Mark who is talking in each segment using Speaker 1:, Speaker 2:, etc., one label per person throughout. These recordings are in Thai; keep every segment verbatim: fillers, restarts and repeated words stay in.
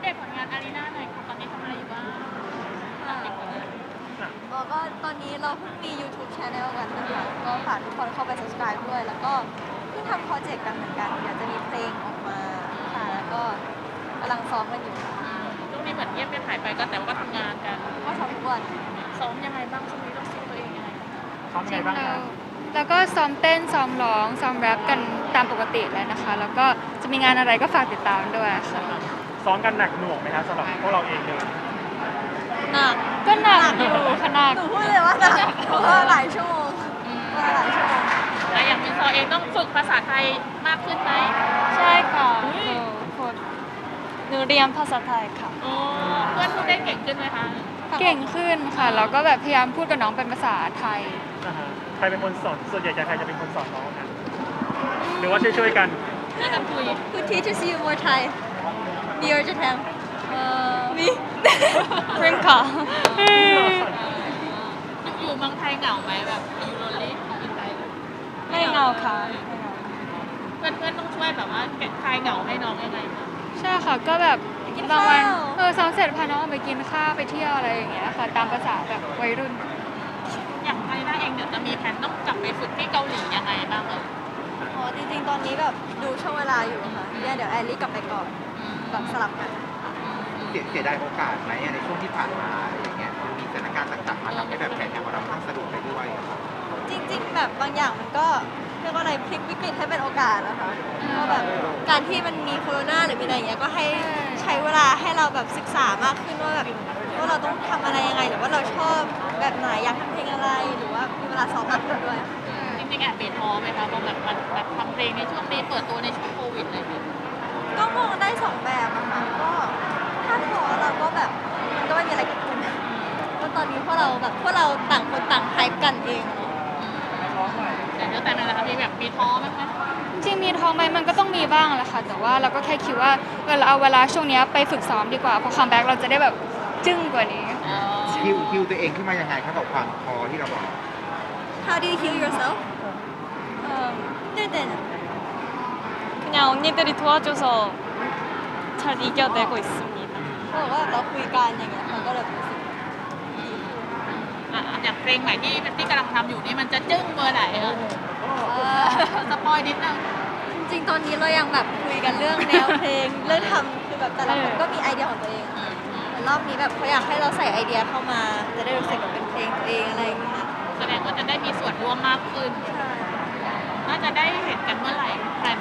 Speaker 1: เดตผลงานอารีนาหน่อยค่ะตอนนี้ทำอะไรอยู่บ้าง
Speaker 2: ค่ะแล้วก็ตอนนี้เราเพิ่งมี YouTube Channel กันนะคะก็ฝากทุกคนเข้าไป subscribe ด้วย แล้วก็เพิ่งทำโปรเจกต์กันเหมือนกันเดี๋ยวจะมีเพลงออกมาค่ะแล้วก็กำลังซ้อมกันอยู่ค่ะ
Speaker 1: ช่วงนี้เหมือนเงียบไปหายไปก็แต่ว่าก็ทำงานกัน
Speaker 2: ก็ซ้อมทุกวัน
Speaker 1: ซ้อมยังไงบ้างช่วงนี้ต้องซิตัวเองยังไง
Speaker 3: ซ้อมยังไงบ้างครับ
Speaker 4: แล้วก็ซ้อมเต้นซ้อมร้องซ้อมแรปกันตามปกติเลยนะคะ แล้วก็จะมีงานอะไรก็ฝากติดตามด้วยค่ะ
Speaker 3: ซ้อมกันหนักหน่วงไหมครับสำหรับพวกเราเองเลย
Speaker 2: หนัก
Speaker 4: ก็หนักอยู่ขนาด
Speaker 2: หนูพูดเลยว่าหนักเพราะว่าหลายชั่วโมงว่าหลายชั่วโมง
Speaker 1: แล้วอย่างมินซอเองต้องฝึกภาษาไทยมากขึ้นไหม
Speaker 4: ใช่ค่ะหนูฝึกหนูเรียนภาษาไทยค่ะ
Speaker 1: เพื่อนพูดได้เก่งขึ้นไหมคะ
Speaker 4: เก่งขึ้นค่ะแล้วก็แบบพยายามพูดกับน้องเป็นภาษาไทย
Speaker 3: ใครเป็นคนสอนส่วนใหญ่จะใครจะเป็นคนสอนน้องนะหรือว่าช่วยๆกัน
Speaker 1: ช่วยกันคุย
Speaker 2: Who teaches you more Thai me or Japan
Speaker 4: เอ่อ
Speaker 2: me
Speaker 4: พริมค่ะ
Speaker 1: อยู่เมืองไทยเหงาไหมแบบอยู่โรลลี่ของอินไทย
Speaker 4: ไม่เหงาค่ะ
Speaker 1: เพื่อนๆต้องช่วยแบบว่าแก้คลายเหงาให้น้องยังไงคะ
Speaker 4: ใช่ค่ะก็แบบบางวันเออซ้อมเสร็จพาน้องออกไปกินข้าวไปเที่ยวอะไรอย่างเงี้ยค่ะตามภาษาแบบวัยรุ่น
Speaker 1: อย่างไทยได้เองเดี๋ยวจะมีแผนต้องกลับไปฝึกที่เกาหลียังไงบ้างเออ
Speaker 2: อ๋อจริงๆตอนนี้แบบดูช่วงเวลาอยู่ค่ะเนี่ยเดี๋ยวแอลลี่กลับไปก่อนแบบสลับกัน
Speaker 5: เสียดายโอกาสไหมในช่วงที่ผ่านมาอะไรอย่างเงี้ยมีสถานการณ์ต่างๆมาทำให้แบบแผนงานของเราค่อนข้างสะดวกไปด้วย
Speaker 2: จริงๆแบบบางอย่างมันก็เรียกว่าอะไรพลิกวิกฤตให้เป็นโอกาสนะคะก็แบบการที่มันมีโควิดหรือมีอะไรอย่างเงี้ยก็ให้ใช้เวลาให้เราแบบศึกษามากขึ้นว่าแบบว่าเราต้องทำอะไรยังไงหรือว่าเราชอบแบบไหนอยากทำเพลงอะไรหรือว่ามีเวลาซ้อมมากขึ้นด้วย
Speaker 1: จริงๆแอบเปลี่ยนท้อไหมคะพอแบบมันแบบทำเพลงในช่วงนี้เปิดตัวในช่วงโควิดเลย
Speaker 2: ก็มองได้สองแบบอะค่ะก็ถ้าท้อเราก็แบบมันก็ไม่มีอะไรเกิดขึ้นเพราะตอนนี้พวกเราแบบพวกเราต่างคนต่างไฮป์กันเอง
Speaker 1: แต่เรื่องแต่งงานนะคะมีแบบมีท้อไหมคะ
Speaker 4: จริงมีท้อไหมมันก็ต้องมีบ้างแหละค่ะแต่ว่าเราก็แค่คิดว่าเวลาเอาเวลาช่วงนี้ไปฝึกซ้อมดีกว่าพอคัมแบ็กเราจะได้แบบจึ้งกว่านี้
Speaker 5: ฮิวฮิวตัวเองขึ้นมายังไงครับกับความท้อที่เราบอก
Speaker 2: How do you heal yourself? 힘들 때는
Speaker 4: 그냥 언니들이 도와줘서 잘 이겨내고 있습니다.
Speaker 2: เขาบอกว่าเราคุยกันอย่างเงี้ยมันก็เลยรู้สึกดีขึ้น
Speaker 1: อย่างเพลงใหม่ที่ที่กำลังทำอยู่นี่มันจะจึ้งเบอร์ไหนเออสปอยนิดนึง
Speaker 2: จริงๆตอนนี้เรายังแบบคุยกันเรื่องแนวเพลงเรื่องทำคือแบบแต่ละคนก็มีไอเดียของตัวเองรอบนี้แบบเขาอยากให้เราใส่ไอเดียเข้ามาจะได้รู้สึกแบบเป็นเพลงตัวเองอะไรอย่างเงี้ย
Speaker 1: แสดงว่าจะได้มีส่วนร่วมมากขึ้นน่าจะได้เห็นกันเมื่อไหร่แพลน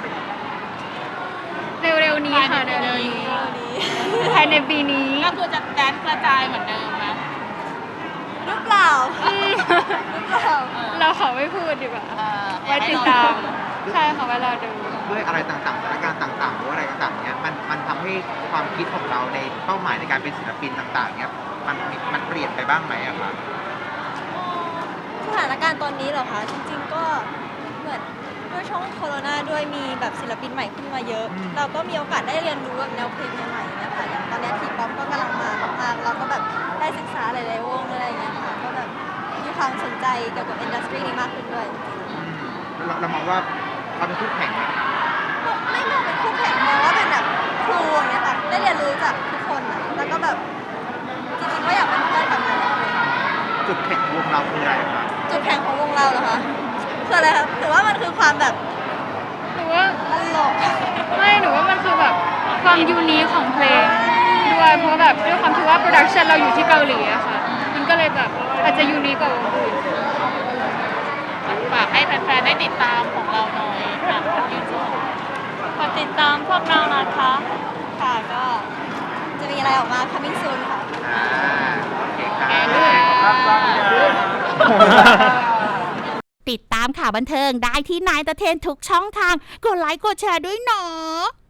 Speaker 4: เร็วๆนี้ค่ะเร็วๆนี้ภายในปีนี้
Speaker 1: ก็คือจะแดนกระจายเหมือนเดิมไหม
Speaker 2: หรือเปล่าหรือเปล่า
Speaker 4: เราขอไม่พูดดีกว่าไว้ติดตามใช่ค่ะไว้รอดู
Speaker 5: ด้วยอะไรต่างๆสถานการณ์ต่างๆหรืออะไรต่างๆเนี้ยมันมันทำให้ความคิดของเราในเป้าหมายในการเป็นศิลปินต่างๆเนี้ยมันมันเปลี่ยนไปบ้างไหมอะครับ
Speaker 2: สถานการณ์ตอนนี้เหรอคะจริงๆก็เหมือนด้วยช่วงโควิดด้วยมีแบบศิลปินใหม่ขึ้นมาเยอะเราก็มีโอกาสได้เรียนรู้แบบแนวเพลงใหม่ๆนะคะอย่างตอนนี้ทีป๊อปก็กำลังมามากๆเราก็แบบได้ศึกษาหลายๆวงอะไรอย่างเงี้ยค่ะก็แบบมีความสนใจเกี่ยวกับอินดัสทรีนี้มากขึ้นด้วย
Speaker 5: เราเรามองว่าเขาเป็นคู่แข่งไหม
Speaker 2: ไม่มองเป็นคู่แข่งมองว่าเป็นแบบครูอย่างเงี้ยค่ะได้เรียนรู้จากทุกคนนะแล้วก็แบบจริงๆก็อยากเป็นเพื่อนกับหลายๆคน
Speaker 5: จุดแข่งวงเราคืออะไรครับ
Speaker 2: จุดแข่งของวงเราเหรอคะคืออะไรครับถือว่ามันคือความแบบ
Speaker 4: หนูว่า
Speaker 2: ตลก
Speaker 4: ไม่หนูว่ามันคือแบบความยูนิคของเพลงด้วยเพราะแบบด้วยความที่ว่าโปรดักชันเราอยู่ที่เกาหลีอะค่ะมันก็เลยแบบอาจจะยูนิคกว่าวงอื่น
Speaker 1: ฝากให้แฟนๆได้ติดตามของเราหน่อยค่ะยูทูบ
Speaker 4: ฝากติดตามพวกเรานะคะ
Speaker 2: ค่ะก็จะมีอะไรออกมา coming soon ค่ะ
Speaker 5: อ่าโอเค
Speaker 6: ครับติดตามข่าวบันเทิงได้ที่นายตะเทนทุกช่องทางกดไลค์กดแชร์ด้วยเนาะ